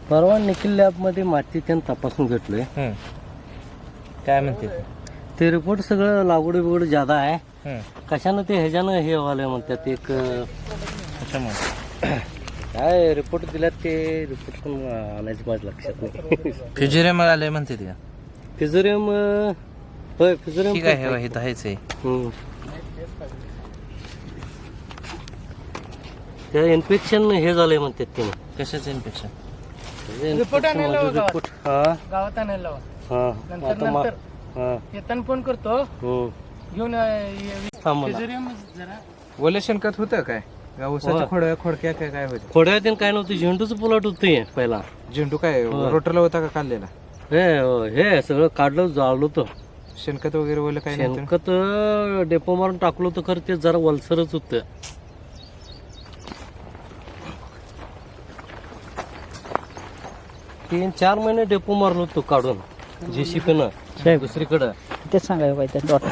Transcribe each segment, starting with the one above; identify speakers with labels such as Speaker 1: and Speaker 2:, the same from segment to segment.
Speaker 1: परवा निखिल लॅबमध्ये माती त्यानं तपासून घेतलोय.
Speaker 2: काय म्हणते
Speaker 1: ते रिपोर्ट सगळं लागवड बिगड ज्यादा आहे.
Speaker 2: ते?
Speaker 1: कशानं ते ह्याच्यानं हे व्हायला म्हणतात एक
Speaker 2: कशामुळे
Speaker 1: काय रिपोर्ट दिल्यात ते रिपोर्ट पण आणायचं माझ्या लक्षात नाही.
Speaker 2: फिजिरियम आले म्हणते ते का?
Speaker 1: फिजोरियम होय फिजोरियम
Speaker 2: ठीक आहे हे आहेच आहे.
Speaker 1: त्या इन्फेक्शन हे झालंय म्हणतात ते.
Speaker 2: कशाचं इन्फेक्शन?
Speaker 3: रिपोर्ट आणायला लावा गावात.
Speaker 1: रिपोर्ट हा
Speaker 3: गावात आणायला लावा.
Speaker 1: हा
Speaker 3: नंतर
Speaker 1: आता
Speaker 3: नंतर
Speaker 1: हा
Speaker 3: येताना फोन करतो घेऊन
Speaker 1: थांब मला.
Speaker 3: फिजिरियम जरा
Speaker 2: ओले शेणखत होतं काय? ऊसाच्या खोडक्या काय काय होतं?
Speaker 1: खोड्यात काय नव्हतं झेंडूचं पुलाट होतं पहिला.
Speaker 2: झेंडू काय रोटरला होता का काढलेला?
Speaker 1: हे सगळं काढलं जाळलं होतं.
Speaker 2: शेणखत वगैरे ओलं काय नव्हतं?
Speaker 1: शेणखत डेपो मारून टाकलं होतं खरं ते जरा वलसरच होतं. 3-4 महिने डेपो मारलो होतो काढून JCP-नं दुसरीकडं.
Speaker 3: तेच सांगायला पाहिजे डॉक्टर.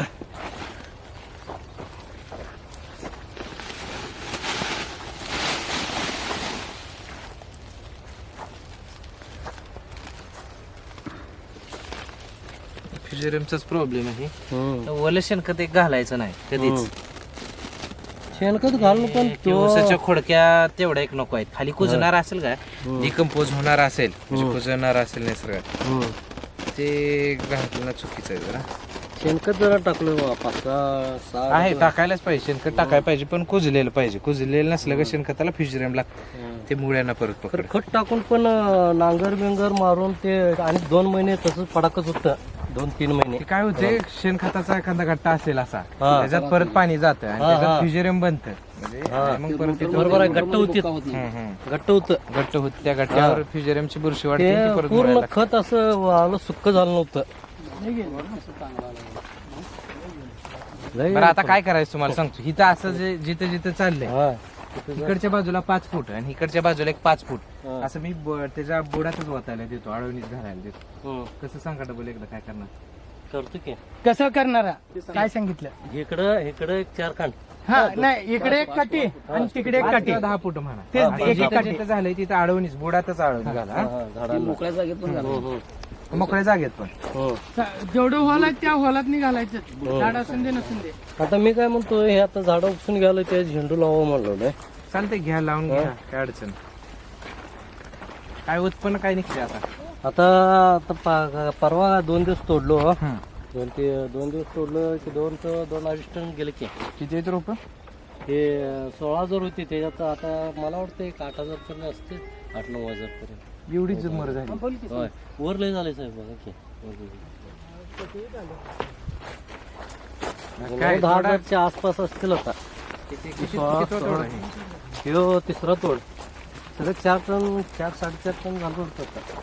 Speaker 2: फिजिरियमचाच प्रॉब्लेम आहे. ओलं शेणखत एक घालायचं नाही कधीच.
Speaker 1: शेणखत घालून पण
Speaker 2: ते ऊसाच्या खोडक्या तेवढ्या एक नको आहेत. खाली कुजणार असेल का डिकम्पोज होणार असेल म्हणजे कुजणार असेल निसर्गात ते घातलं चुकीचं आहे जरा.
Speaker 1: शेणखत जरा टाकलं 5-6
Speaker 2: आहे टाकायलाच पाहिजे शेणखत टाकायला पाहिजे पण कुजलेलं पाहिजे. कुजलेलं नसलं का शेणखताला फिजिरियम लागतं ते मुळ्यांना परत पकड.
Speaker 1: खत टाकून पण नांगर बिंगर मारून ते आणि 2 महिने तसंच पडाकच होतं. 2-3 महिने
Speaker 2: ते काय होते शेणखताचा एखादा गट्टा असेल असा त्याच्यात परत पाणी जातं आणि त्याच्यात फिजिरियम बनतं म्हणजे मग परत ते
Speaker 1: बरोबर आहे. घट्ट होती घट्ट होतं
Speaker 2: घट्ट होत त्या गट्ट्यावर फिजिरियमची बुरशी वाढते ती
Speaker 1: ते
Speaker 2: परत
Speaker 1: पूर्ण
Speaker 2: मुळ्याला
Speaker 1: खत असं आलं सुक्क झालं नव्हतं.
Speaker 2: बरं आता काय करायचं तुम्हाला सांगतो. इथं असं जे जिथं जिथं चाललंय इकडच्या बाजूला 5 फूट आणि इकडच्या बाजूला एक 5 फूट असं मी त्याच्या बुडातच वाचायला देतो आळवणीच घालायला देतो. कसं सांगा डबल एकदा काय करणार
Speaker 1: करतो की
Speaker 3: कसं करणारा काय सांगितलं?
Speaker 1: इकडं एक 4 खांड.
Speaker 3: हा नाही इकडे एक काठी आणि तिकडे एक काठी.
Speaker 2: 10 फूट म्हणा.
Speaker 3: तेच
Speaker 2: आणि
Speaker 3: एक
Speaker 2: जिथं
Speaker 3: काठी.
Speaker 2: जिथं झालंय तिथं आळवणीच बुडातच आळवणी घाला.
Speaker 1: मोकळ्या जागेत पण
Speaker 2: मोकळ्या जागेत पण
Speaker 3: जेवढं हॉल आहे त्या हॉलात नाही घालायचं. झाड असून दे नसून दे.
Speaker 1: आता मी काय म्हणतो हे आता झाडं उपसून घ्यायला ते झेंडू लावा म्हणलं.
Speaker 2: चालतंय घ्या लावून घ्या काय अडचण काय उत्पन्न काय निघते
Speaker 1: आता परवा 2 दिवस तोडलो. 2 दिवस तोडलं की 2-2.5 टन गेले की.
Speaker 2: किती आहेत रोप?
Speaker 1: हे 16,000 होती त्याच्यात आता मला वाटतं 8,000 पर्यंत असते. 8-9,000 पर्यंत
Speaker 2: एवढीच मर झाली.
Speaker 1: होय वर लय झाले साहेब बघा की.
Speaker 2: काय
Speaker 1: 10,000च्या आसपास असतील आता. ह्यो 3रा तोड सगळं 4 टन 4-4.5 टन झालं होतं आता.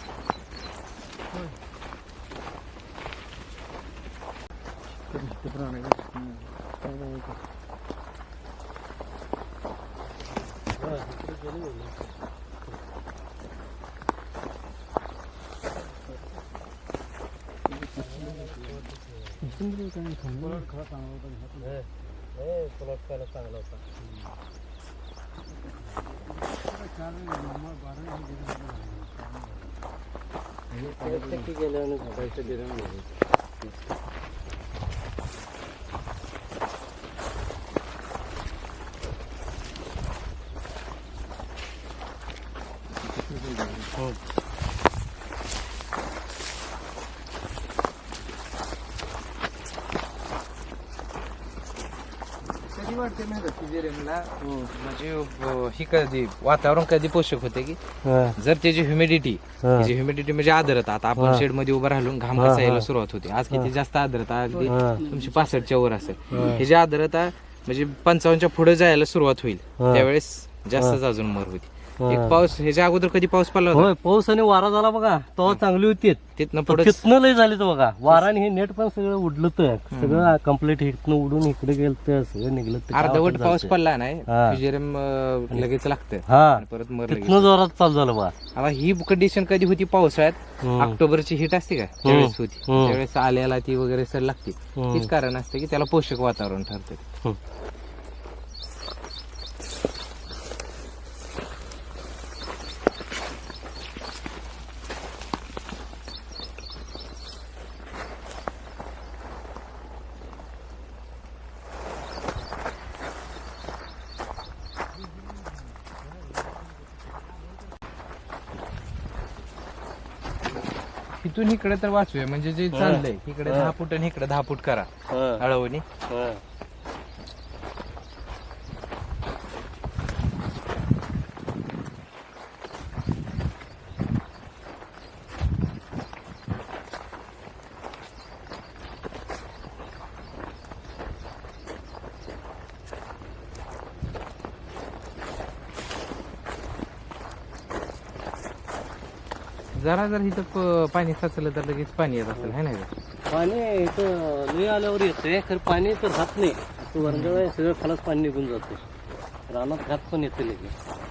Speaker 1: चांगला होता. गेल्यानं झाडायचं दिलं नाही.
Speaker 2: कधी वाटते माहिती फिजिरियमला म्हणजे ही कधी वातावरण कधी पोषक होते की जर त्याची ह्युमिडिटी म्हणजे आर्द्रता. आता आपण शेड मध्ये उभं राहिलो घाम यायला सुरुवात होते. आज किती जास्त आर्द्रता अगदी तुमची 65च्या वर असेल. ही जी आर्द्रता म्हणजे 55च्या पुढे जायला सुरुवात होईल त्यावेळेस जास्तच अजून मर होती. एक पाऊस ह्याच्या अगोदर कधी पाऊस पडला होता?
Speaker 1: होय पाऊस आणि वारा झाला बघा तेव्हा चांगली होती.
Speaker 2: तिथनं पुढे
Speaker 1: तिथनं लय झाली तर बघा वारा आणि हे नेट पण सगळं उडलं तर सगळं कम्प्लीट इथनं उडून इकडे गेलं तर सगळं निघलं.
Speaker 2: अर्धवट पाऊस पडला नाही फिजिरियम लगेच लागतं
Speaker 1: हा
Speaker 2: परत मर लगेच.
Speaker 1: तिथनं जोरात चालू झालं बघा.
Speaker 2: आता ही कंडिशन कधी होती पावसाळ्यात? ऑक्टोबरची हिट असते का त्यावेळेस होती. त्यावेळेस आल्याला ती वगैरे सर लागते. तीच कारण असते की त्याला पोषक वातावरण ठरते. इथून इकडे तर वाचूया म्हणजे जे चाललंय इकडे 10 फूट आणि इकडे 10 फूट करा अळवणी. जरा जर इथं पाणी साचलं तर लगेच पाणी येत असेल है ना.
Speaker 1: पाणी इथं लई आल्यावर येतंय खरं पाणी तर जात नाही. वरंगळ सगळं खालाच पाणी निघून जाते. रानात घात पण येते लगेच.